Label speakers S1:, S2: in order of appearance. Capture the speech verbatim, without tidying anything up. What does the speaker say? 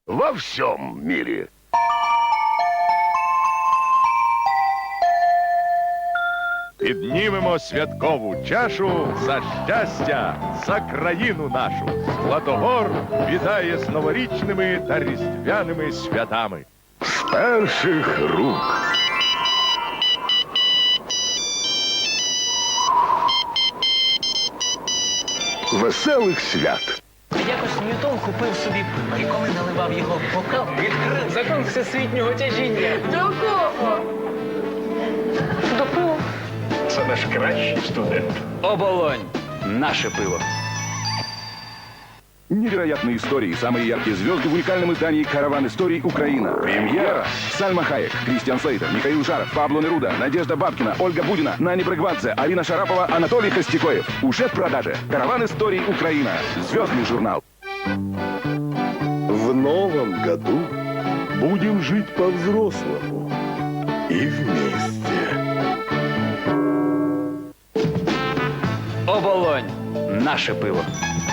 S1: во всем мире.
S2: Піднімемо святкову чашу за щастя, за країну нашу. Златогор вітає з новорічними та різдвяними святами.
S1: З перших рук. Веселих свят.
S3: Якось Ньютон купив собі пиво, і коли наливав його в бокал, відкрив закон всесвітнього тяжіння.
S4: До кого? До пива.
S5: Це наш кращий студент.
S3: Оболонь. Наше пиво.
S6: Невероятные истории, самые яркие звезды в уникальном издании «Караван историй. Украина». Премьера. Сальма Хайек, Кристиан Слейтер, Михаил Жаров, Пабло Неруда, Надежда Бабкина, Ольга Будина, Нани Брыгвадзе, Арина Шарапова, Анатолий Костякоев. Уже в продаже. «Караван историй. Украина». Звездный журнал.
S1: В новом году будем жить по-взрослому и вместе.
S3: Оболонь. Наше пиво.